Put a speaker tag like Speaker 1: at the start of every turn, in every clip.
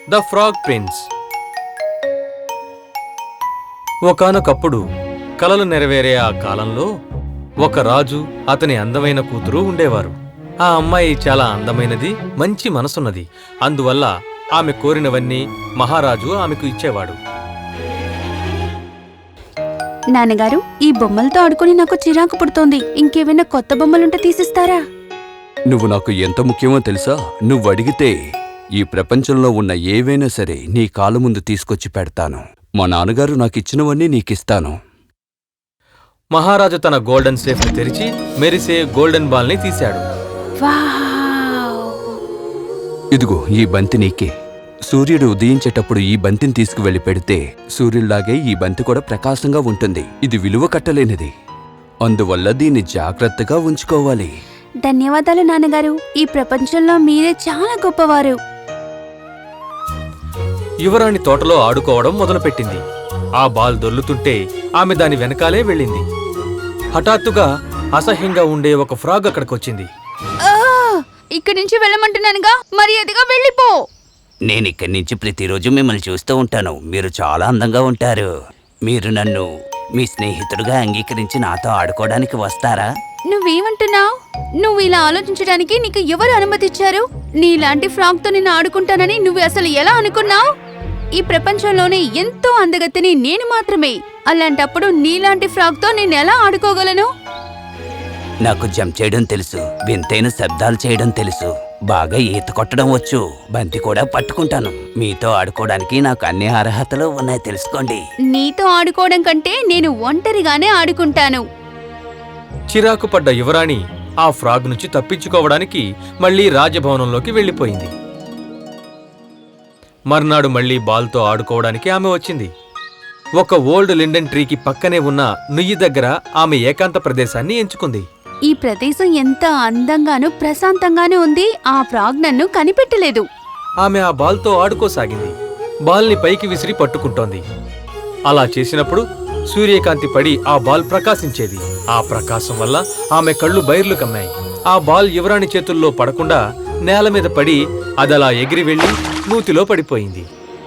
Speaker 1: The frog prince. ఒకానొకప్పుడు కలలు నెరవేరే ఆ కాలంలో ఒక రాజు, అతని అందమైన కూతురు ఉండేవారు. ఆ అమ్మాయి చాలా అందమైనది, మంచి మనసున్నది. అందువల్ల ఆమె కోరినవన్నీ మహారాజు ఆమెకు ఇచ్చేవాడు.
Speaker 2: నాన్నగారు, ఈ బొమ్మలతో ఆడుకుని నాకు చిరాకు పుడుతోంది. ఇంకేమైనా కొత్త బొమ్మలుంటే తీసిస్తారా?
Speaker 3: నువ్వు నాకు ఎంత ముఖ్యమో తెలుసా? నువ్వు అడిగితే ఈ ప్రపంచంలో ఉన్న ఏవైనా సరే నీ కాలు ముందు తీసుకొచ్చి పెడతాను. మా నాన్నగారు నాకిచ్చినవన్నీ నీకిస్తాను.
Speaker 1: మహారాజు తన గోల్డెన్ సేఫ్ని తెరిచి మెరిసే గోల్డెన్ బాల్ని తీశాడు.
Speaker 2: వావ్!
Speaker 3: ఇదిగో ఈ బంతి నీకే. సూర్యుడు ఉదయించేటప్పుడు ఈ బంతిని తీసుకువెళ్లి పెడితే సూర్యుల్లాగే ఈ బంతి కూడా ప్రకాశంగా ఉంటుంది. ఇది విలువ కట్టలేనిది. అందువల్ల దీన్ని జాగ్రత్తగా ఉంచుకోవాలి.
Speaker 2: ధన్యవాదాలు నాన్నగారు. ఈ ప్రపంచంలో మీరే చాలా గొప్పవారు.
Speaker 1: యువరాణి తోటలో ఆడుకోవడం మొదలుపెట్టింది. ఆ బాల్ దొర్లుతుంటే ఆమె దాని వెనకాలే వెళ్ళింది. హఠాత్తుగా అసహ్యంగా ఉండే ఒక ఫ్రాగ్ అక్కడికొచ్చింది.
Speaker 2: ఇక్కడి నుంచి వెళ్ళమంటున్నానుగా, మర్యాదగా వెళ్ళిపో.
Speaker 4: నేనిక్కడి నుంచి ప్రతిరోజు మిమ్మల్ని చూస్తూ ఉంటాను. మీరు చాలా అందంగా ఉంటారు. మీరు నన్ను మీ స్నేహితుడిగా అంగీకరించి నాతో ఆడుకోవడానికి వస్తారా?
Speaker 2: నువ్వేమంటున్నావు? నువ్వు ఇలా ఆలోచించడానికి నీకు ఎవరు అనుమతిచ్చారు? నీలాంటి ఫ్రాక్ తో నేను ఆడుకుంటానని నువ్వు అసలు ఎలా అనుకున్నావు? ఈ ప్రపంచంలోనే ఎంతో అందగత్తెని నేను మాత్రమే. అలాంటప్పుడు నీలాంటి ఫ్రాక్ తో నేను ఎలా ఆడుకోగలను?
Speaker 4: నాకు జంప్ చేయడం తెలుసు, వింతైన శబ్దాలు చేయడం తెలుసు, బాగా ఈత కొట్టడం వచ్చు, బంతి కూడా పట్టుకుంటాను. మీతో ఆడుకోవడానికి నాకు అన్ని అర్హతలు ఉన్నాయి, తెలుసుకోండి.
Speaker 2: నీతో ఆడుకోవడం కంటే నేను ఒంటరిగానే ఆడుకుంటాను.
Speaker 1: చిరాకు పడ్డ యువరాణి ఆ ఫ్రాగ్ నుంచి తప్పించుకోవడానికి మళ్లీ రాజభవనంలోకి వెళ్లిపోయింది. మర్నాడు మళ్లీ బాల్తో ఆడుకోవడానికి ఆమె వచ్చింది. ఒక ఓల్డ్ లిండెన్ ట్రీకి పక్కనే ఉన్న నుయ్యి దగ్గర ఆమె ఏకాంత ప్రదేశాన్ని ఎంచుకుంది.
Speaker 2: ఈ ప్రదేశం ఎంత అందంగానూ ప్రశాంతంగానూ ఉంది. ఆ ఫ్రాగ్ నన్ను కనిపెట్టలేదు.
Speaker 1: ఆమె ఆ బాల్తో ఆడుకోసాగింది. బాల్ని పైకి విసిరి పట్టుకుంటోంది. అలా చేసినప్పుడు సూర్యకాంతి పడి ఆ బాల్ ప్రకాశించేది. ఆ ప్రకాశం వల్ల ఆమె కళ్ళు బైర్లు కమ్మాయి. ఆ బాల్ యువరాణి చేతుల్లో పడకుండా నేల మీద పడి అదలా ఎగిరి వెళ్లి నూతిలో పడిపోయింది.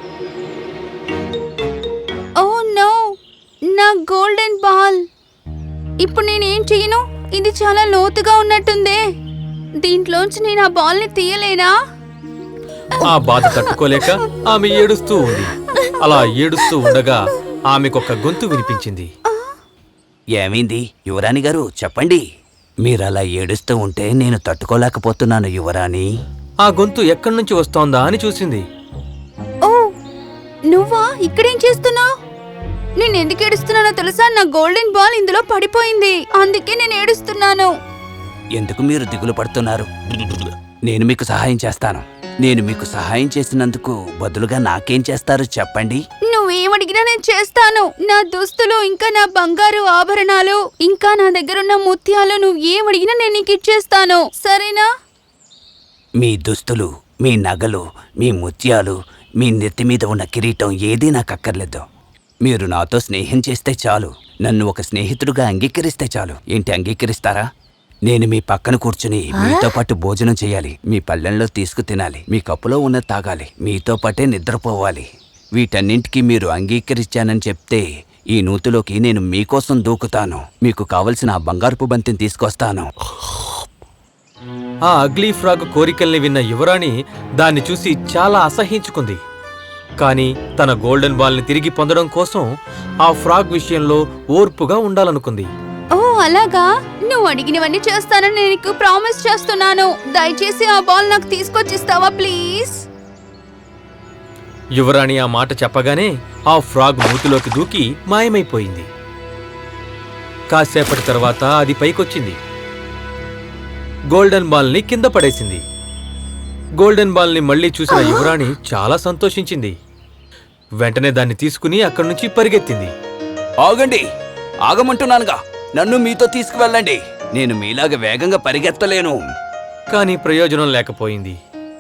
Speaker 2: ఓ నో, నా గోల్డెన్ బాల్! ఇప్పుడు నేనేం చెయ్యను? ఇది చాలా లోతుగా ఉన్నట్టుందే. దీంట్లోంచి నేను ఆ బాల్ ని తీయలేనా?
Speaker 1: ఆ బాధ తట్టుకోలేక ఆమె ఏడుస్తూ ఉంది. అలా ఏడుస్తూ ఉండగా ఆమెకొక గొంతు వినిపించింది.
Speaker 4: ఏమైంది యువరాణి గారు, చెప్పండి. మీరలా ఏడుస్తూ ఉంటే నేను తట్టుకోలేకపోతున్నాను యువరాణి.
Speaker 1: ఆ గొంతు ఎక్కడి నుంచి వస్తోందా అని చూసింది.
Speaker 2: ఓ, నువ్వా? ఇక్కడేం చేస్తున్నావు? నేను ఎందుకు ఏడుస్తున్నానో తెలుసా? నా గోల్డెన్ బాల్ ఇందులో పడిపోయింది, అందుకే నేను ఏడుస్తున్నాను.
Speaker 4: ఎందుకు మీరు దిగులు పడుతున్నారు? నేను మీకు సహాయం చేస్తాను. నేను మీకు సహాయం చేసినందుకు బదులుగా నాకేం చేస్తారు చెప్పండి.
Speaker 2: నువ్వేమడిగినా నేను చేస్తాను. నా దుస్తులు, ఇంకా నా బంగారు ఆభరణాలు, ఇంకా నా దగ్గరున్న ముత్యాలు, నువ్వు ఏమడిగినా నేను నీకు ఇచ్చేస్తాను, సరేనా?
Speaker 4: మీ దుస్తులు, మీ నగలు, మీ ముత్యాలు, మీ నెత్తి మీద ఉన్న కిరీటం ఏదీ నాకు అక్కర్లేదు. మీరు నాతో స్నేహం చేస్తే చాలు. నన్ను ఒక స్నేహితుడుగా అంగీకరిస్తే చాలు. ఏంటి, అంగీకరిస్తారా? నేను మీ పక్కన కూర్చుని మీతో పాటు భోజనం చేయాలి, మీ పళ్ళెంలో తీసుకు తినాలి, మీ కప్పులో ఉన్న తాగాలి, మీతో పాటే నిద్రపోవాలి. వీటన్నింటికీ మీరు అంగీకరించానని చెప్తే ఈ నూతిలోకి నేను మీకోసం దూకుతాను. మీకు కావలసిన ఆ బంగారపు బంతిని తీసుకొస్తాను.
Speaker 1: ఆ అగ్లీ ఫ్రాగ్ కోరికల్ని విన్న యువరాణి దాన్ని చూసి చాలా అసహ్యించుకుంది. కాని తన గోల్డెన్ బాల్ని తిరిగి పొందడం కోసం ఆ ఫ్రాగ్ విషయంలో ఓర్పుగా ఉండాలనుకుంది.
Speaker 2: ఓ అలాగా? నువ్వు అడిగినవన్నీ చేస్తానని నేను నీకు ప్రామిస్ చేస్తున్నాను. దయచేసి ఆ బాల్ నాకు తీసుకొచ్చిస్తావా ప్లీజ్?
Speaker 1: యువరాణి ఆ మాట చెప్పగానే ఆ ఫ్రాగ్ నూతిలోకి దూకి మాయమైపోయింది. కాసేపటి తర్వాత అది పైకొచ్చింది. గోల్డెన్ బాల్ని కింద పడేసింది. గోల్డెన్ బాల్ని మళ్లీ చూసిన యువరాణి చాలా సంతోషించింది. వెంటనే దాన్ని తీసుకుని అక్కడి నుంచి పరిగెత్తింది.
Speaker 4: ఆగండి, ఆగమంటున్నానుగా. నన్ను మీతో తీసుకువెళ్ళండి. నేను మీలాగా వేగంగా పరిగెత్తలేను.
Speaker 1: కాని ప్రయోజనం లేకపోయింది.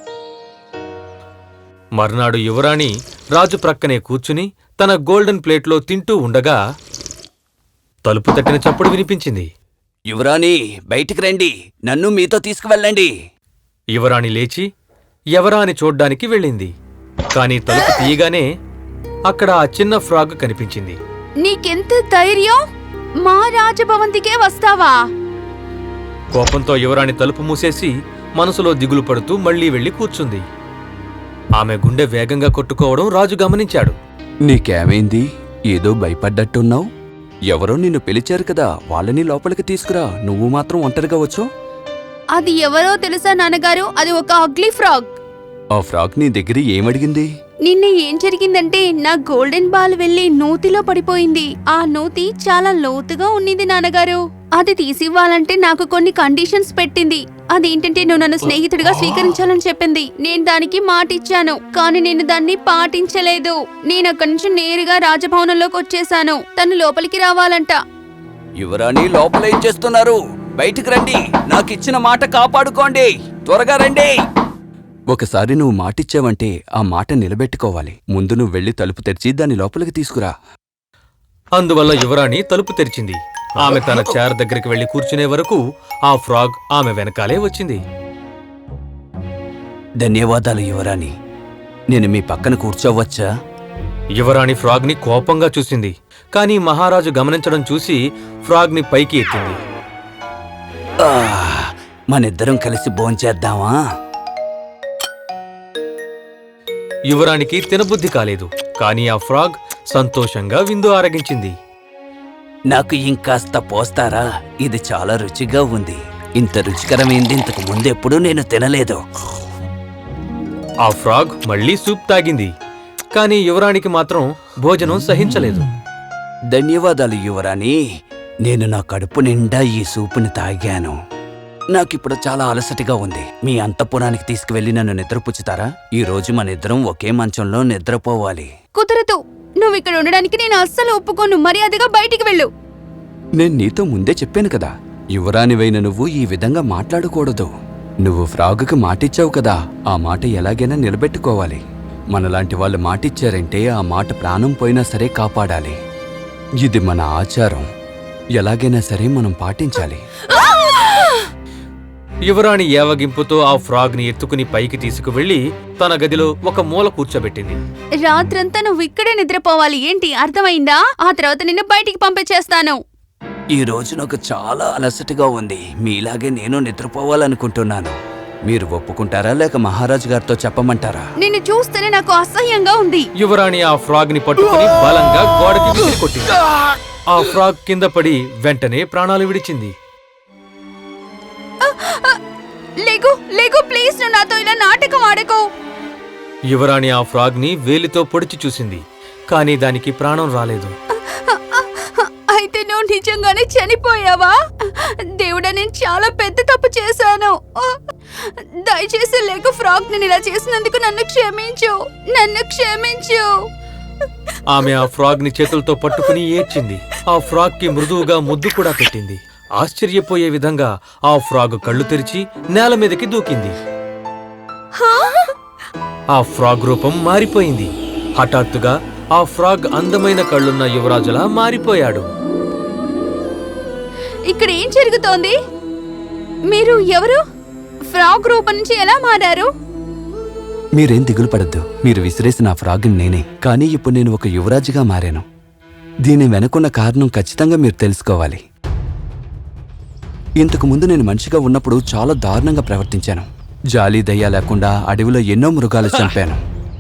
Speaker 1: మర్నాడు యువరాణి రాజు ప్రక్కనే కూర్చుని తన గోల్డెన్ ప్లేట్లో తింటూ ఉండగా తలుపు తట్టిన చప్పుడు వినిపించింది.
Speaker 4: యువరాణి, బయటికి రండి. నన్ను మీతో తీసుకువెళ్ళండి.
Speaker 1: యువరాణి లేచి ఎవరా అని చూడ్డానికి వెళ్ళింది. కానీ తలుపు తీయగానే అక్కడ ఆ చిన్న ఫ్రాగ్ కనిపించింది.
Speaker 2: నీకెంత ధైర్యం? మా రాజభవంతికే వస్తావా?
Speaker 1: కోపంతో యువరాణి తలుపు మూసేసి మనసులో దిగులు పడుతూ మళ్లీ వెళ్లి కూర్చుంది. ఆమె గుండె వేగంగా కొట్టుకోవడం రాజు గమనించాడు.
Speaker 3: నీకేమైంది? ఏదో భయపడ్డట్టున్నావు. ఎవరో నిన్ను పిలిచారు కదా, వాళ్ళని లోపలికి తీసుకురా. నువ్వు మాత్రం ఒంటరిగా వచ్చో?
Speaker 2: అది ఎవరో తెలుసా నాన్నగారు? అది ఒక అగ్లీ ఫ్రాగ్.
Speaker 3: ఆ ఫ్రాగ్ నీ దగ్గర ఏమడిగింది?
Speaker 2: నిన్న ఏం జరిగిందంటే నా గోల్డెన్ బాల్ వెళ్లి నూతిలో పడిపోయింది. ఆ నూతి చాలా లోతుగా ఉన్నింది నాన్నగారు. అది తీసివ్వాలంటే నాకు కొన్ని కండిషన్స్ పెట్టింది. అదేంటంటే నువ్వు నన్ను స్నేహితుడిగా స్వీకరించాలని చెప్పింది. నేను దానికి మాట ఇచ్చాను, కానీ నేను దాన్ని పాటించలేదు. నేను అక్కడి నుంచి నేరుగా రాజభవనంలోకి వచ్చేసాను. తను లోపలికి రావాలంట.
Speaker 3: యువరాణి లోపల ఏం చేస్తున్నారు? బయటికి రండి. నాకిచ్చిన మాట కాపాడుకోండి. త్వరగా రండి. ఒకసారి నువ్వు మాటిచ్చావంటే ఆ మాట నిలబెట్టుకోవాలి. ముందు నువ్వు వెళ్లి తలుపు తెరిచి దాన్ని లోపలికి తీసుకురా.
Speaker 1: అందువల్ల యువరాణి తలుపు తెరిచింది. ఆమె తన చైర్ దగ్గరికి వెళ్లి కూర్చునే వరకు ఆ ఫ్రాగ్ ఆమె వెనకాలే వచ్చింది.
Speaker 4: ధన్యవాదాలు యువరాణి. నేను మీ పక్కన కూర్చోవచ్చా?
Speaker 1: యువరాణి ఫ్రాగ్ని కోపంగా చూసింది. కానీ మహారాజు గమనించడం చూసి ఫ్రాగ్ని పైకి ఎత్తింది.
Speaker 4: మనిద్దరం కలిసి భోంచేద్దామా?
Speaker 1: యువరానికి తినబుద్ధి కాలేదు. కానీ ఆ ఫ్రాగ్ సంతోషంగా విందు ఆరగించింది.
Speaker 4: నాకు ఇంకాస్త పోస్తారా? ఇది చాలా రుచిగా ఉంది. ఇంత రుచికరమైంది ఇంతకు ముందెప్పుడూ నేను తినలేదు.
Speaker 1: ఆ ఫ్రాగ్ మళ్లీ సూప్ తాగింది. కానీ యువరానికి మాత్రం భోజనం సహించలేదు.
Speaker 4: ధన్యవాదాలు యువరాణి. నేను నా కడుపు నిండా ఈ సూపుని తాగాను. నాకిప్పుడు చాలా అలసటగా ఉంది. మీ అంతఃపురానికి తీసుకువెళ్లి నన్ను నిద్రపుచ్చుతారా? ఈ రోజు మనిద్దరం ఒకే మంచంలో నిద్రపోవాలి.
Speaker 2: కుదరదు. నువ్వు ఇక్కడ ఉండడానికి నేను అస్సలు ఒప్పుకోను. మర్యాదగా బయటికి వెళ్ళు.
Speaker 3: నేను నీతో ముందే చెప్పాను కదా, యువరానివైన నువ్వు ఈ విధంగా మాట్లాడకూడదు. నువ్వు ఫ్రాగుకి మాటిచ్చావు కదా, ఆ మాట ఎలాగైనా నిలబెట్టుకోవాలి. మనలాంటి వాళ్ళు మాటిచ్చారంటే ఆ మాట ప్రాణం పోయినా సరే కాపాడాలి. ఇది మన ఆచారం. ఎలాగైనా సరే మనం పాటించాలి.
Speaker 1: యువరాణి ఏవగింపుతో ఆ ఫ్రాగ్ని ఎత్తుకుని పైకి తీసుకువెళ్లి తన గదిలో ఒక మూల కూర్చోబెట్టింది.
Speaker 2: రాత్రంతా నువ్వు ఇక్కడే నిద్రపోవాలి. ఏంటి అర్థమైందా? ఆ తర్వాత నిన్ను బయటికి పంపించేస్తాను.
Speaker 4: ఈ రోజు నాకు చాలా అలసటగా ఉంది. మీలాగే నేను నిద్రపోవాలనుకుంటున్నాను. మీరు ఒప్పుకుంటారా లేక మహారాజు గారితో చెప్పమంటారా?
Speaker 2: నిన్ను చూస్తేనే నాకు అసహ్యంగా ఉంది.
Speaker 1: యువరాణి ఆ ఫ్రాగ్ని పట్టుకుని బలంగా గోడకి విసిరి కొట్టింది. ఆ ఫ్రాగ్ కింద పడి వెంటనే ప్రాణాలు విడిచింది.
Speaker 2: లేగు లేగు, ప్లీజ్. నువ్వు నాతో ఇలా నాటకం ఆడకు.
Speaker 1: యువరాణి ఆ ఫ్రాగ్ని వేలితో పొడిచి చూసింది. కానీ దానికి ప్రాణం రాలేదు.
Speaker 2: అయితే నువ్వు నిజంగానే చనిపోయావా? దేవుడా, నేను చాలా పెద్ద తప్పు చేశాను. దయచేసి లేకు ఫ్రాగ్, నేను ఇలా చేసినందుకు నన్ను క్షమించు. నన్ను క్షమించు.
Speaker 1: ఆమె ఆ ఫ్రాగ్ని చేతులతో పట్టుకుని ఏడ్చింది. ఆ ఫ్రాగ్కి మృదువుగా ముద్దు కూడా పెట్టింది. ఆశ్చర్యపోయే విధంగా ఆ ఫ్రాగ్ కళ్ళు తెరిచి నేల మీదకి దూకింది. ఆ ఫ్రాగ్ రూపం మారిపోయింది. హఠాత్తుగా ఆ ఫ్రాగ్ అందమైన కళ్ళున్న యువరాజులా మారిపోయాడు.
Speaker 2: ఇక్కడ ఏం జరుగుతోంది? మీరు ఎవరు? ఫ్రాగ్ రూపం నుంచి ఎలా మారారు?
Speaker 3: మీరేం దిగులు పడద్దు. మీరు విసిరేసిన ఆ ఫ్రాగ్ని నేనే. కానీ ఇప్పుడు నేను ఒక యువరాజుగా మారాను. దీని వెనుకున్న కారణం ఖచ్చితంగా మీరు తెలుసుకోవాలి. ఇంతకు ముందు నేను మనిషిగా ఉన్నప్పుడు చాలా దారుణంగా ప్రవర్తించాను. జాలి దయ లేకుండా అడవిలో ఎన్నో మృగాలు చంపాను.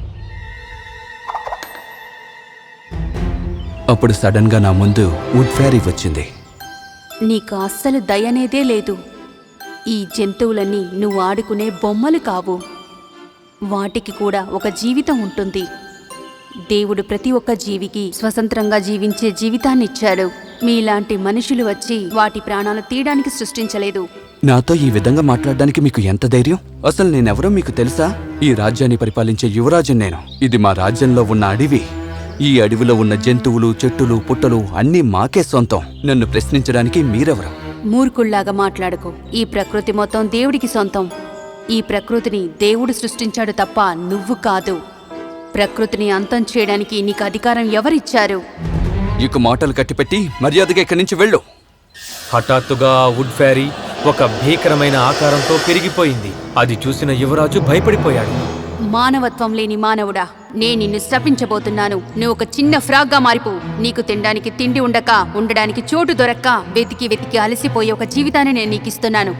Speaker 3: అప్పుడు సడన్ గా నా ముందు వుడ్ ఫ్యారీ వచ్చింది.
Speaker 2: నీకు అస్సలు దయనేదే లేదు. ఈ జంతువులన్నీ నువ్వు ఆడుకునే బొమ్మలు కావు. వాటికి కూడా ఒక జీవితం ఉంటుంది. దేవుడు ప్రతి ఒక్క జీవికి స్వతంత్రంగా జీవించే జీవితాన్నిచ్చాడు. మీలాంటి మనుషులు వచ్చి వాటి ప్రాణాలు తీయడానికి సృష్టించలేదు.
Speaker 3: నాతో ఈ విధంగా మాట్లాడడానికి మీకు ఎంత ధైర్యం? అసలు నేనెవరో మీకు తెలుసా? ఈ రాజ్యాన్ని పరిపాలించే యువరాజు నేను. ఇది మా రాజ్యంలో ఉన్న అడవి. ఈ అడవిలో ఉన్న జంతువులు, చెట్టులు, పుట్టలు అన్నీ మాకే సొంతం. నన్ను ప్రశ్నించడానికి మీరెవరు?
Speaker 2: మూర్ఖుల్లాగా మాట్లాడుకో. ఈ ప్రకృతి మొత్తం దేవుడికి సొంతం. ఈ ప్రకృతిని దేవుడు సృష్టించాడు తప్ప నువ్వు కాదు. ప్రకృతిని అంతం చేయడానికి నీకు అధికారం ఎవరిచ్చారు?
Speaker 3: ఇక మాటలు కట్టిపెట్టి మర్యాదగా ఇక్కడి నుంచి వెళ్ళు.
Speaker 1: హఠాత్తుగా ఆ వుడ్ ఫ్యారీ ఒక భీకరమైన ఆకారంతో పెరిగిపోయింది. అది చూసిన యువరాజు భయపడిపోయాడు.
Speaker 2: మానవత్వం లేని మానవుడా, నేను నిన్ను శపించబోతున్నాను. నువ్వు ఒక చిన్న ఫ్రాగ్గా మారిపో. నీకు తినడానికి తిండి ఉండక, ఉండడానికి చోటు దొరక్క, వెతికి వెతికి అలసిపోయే ఒక జీవితాన్ని నేను నీకిస్తున్నాను.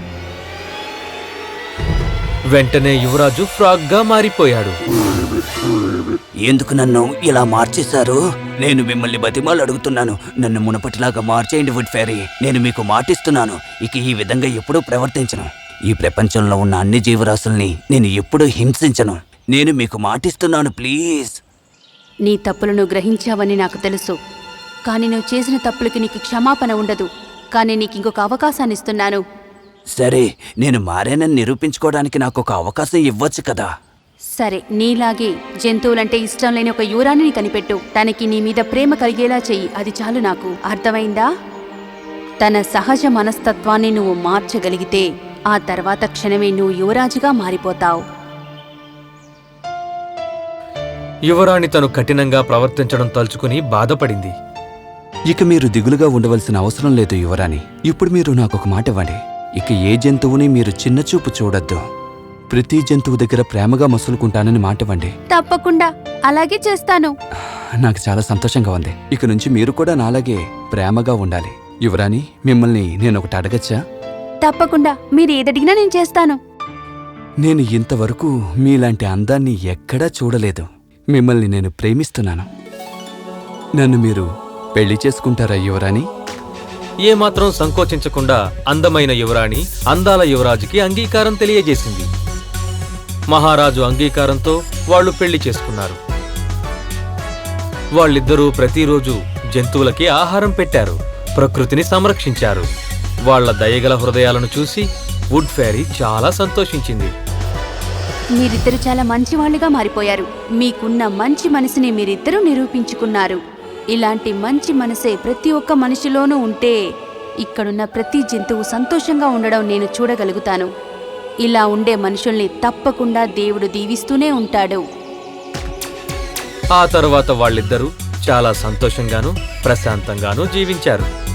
Speaker 1: వెంటనే యువరాజు ఫ్రాగ్గా మారిపోయాడు.
Speaker 4: ఎందుకు నన్ను ఇలా మార్చేశారు? నేను మిమ్మల్ని బతిమాలు అడుగుతున్నాను. నన్ను మునపటిలాగా మార్చేయండి వుడ్ ఫెయిరీ. నేను మీకు మాటిస్తున్నాను, ఇక ఈ విధంగా ఎప్పుడూ ప్రవర్తించను. ఈ ప్రపంచంలో ఉన్న అన్ని జీవరాశుల్ని నేను ఎప్పుడూ హింసించను. నేను మీకు మాటిస్తున్నాను, ప్లీజ్.
Speaker 2: నీ తప్పులను గ్రహించావని నాకు తెలుసు, కానీ నువ్వు చేసిన తప్పులకి నీకు క్షమాపణ ఉండదు. కానీ నీకు ఇంకొక అవకాశాన్ని ఇస్తున్నాను.
Speaker 4: సరే, నేను మారానని నిరూపించుకోవడానికి నాకు ఒక అవకాశం ఇవ్వచ్చు కదా.
Speaker 2: సరే, నీలాగే జంతువులంటే ఇష్టం లేని ఒక యువరాణిని కనిపెట్టు. తనకి నీ మీద ప్రేమ కలిగేలా చెయ్యి. అది చాలు నాకు. అర్థమైందా? తన సహజ మనస్తత్వాన్ని నువ్వు మార్చగలిగితే ఆ తర్వాత క్షణమే నువ్వు యువరాజుగా మారిపోతావు.
Speaker 1: యువరాణి తను కఠినంగా ప్రవర్తించడం తలుచుకుని బాధపడింది.
Speaker 3: ఇక మీరు దిగులుగా ఉండవలసిన అవసరం లేదు యువరాణి. ఇప్పుడు మీరు నాకొక మాట ఇవ్వండి. ఇక ఏ జంతువుని మీరు చిన్నచూపు చూడొద్దు. ప్రతి జంతువు దగ్గర ప్రేమగా మసులుకుంటానని మాట ఇవ్వండి.
Speaker 2: తప్పకుండా అలాగే చేస్తాను.
Speaker 3: నాకు చాలా సంతోషంగా ఉంది. ఇక నుంచి మీరు కూడా నాలాగే ప్రేమగా ఉండాలి. యువరాణి, మిమ్మల్ని నేను ఒకటి అడగచ్చా?
Speaker 2: తప్పకుండా, మీరు ఏదడిగినా నేను చేస్తాను.
Speaker 3: నేను ఇంతవరకు మీలాంటి అందాన్ని ఎక్కడా చూడలేదు. మిమ్మల్ని నేను ప్రేమిస్తున్నాను. నన్ను మీరు పెళ్లి చేసుకుంటారా యువరాణి?
Speaker 1: ఏమాత్రం సంకోచించకుండా అందమైన యువరాణి అందాల యువరాజుకి అంగీకారం తెలియజేసింది. మహారాజు అంగీకారంతో వాళ్ళు పెళ్లి చేసుకున్నారు. వాళ్ళిద్దరూ ప్రతిరోజు జంతువులకి ఆహారం పెట్టారు, ప్రకృతిని సంరక్షించారు. వాళ్ళ దయగల హృదయాలను చూసి వుడ్ ఫెయిరీ చాలా సంతోషించింది.
Speaker 2: మీరిద్దరు చాలా మంచివాళ్లుగా మారిపోయారు. మీకున్న మంచి మనసుని మీరిద్దరూ నిరూపించుకున్నారు. ఇలాంటి మంచి మనసే ప్రతి ఒక్క మనిషిలోనూ ఉంటే ఇక్కడున్న ప్రతి జంతువు సంతోషంగా ఉండడం నేను చూడగలుగుతాను. ఇలా ఉండే మనుషుల్ని తప్పకుండా దేవుడు దీవిస్తూనే ఉంటాడు.
Speaker 1: ఆ తర్వాత వాళ్ళిద్దరూ చాలా సంతోషంగానూ ప్రశాంతంగానూ జీవించారు.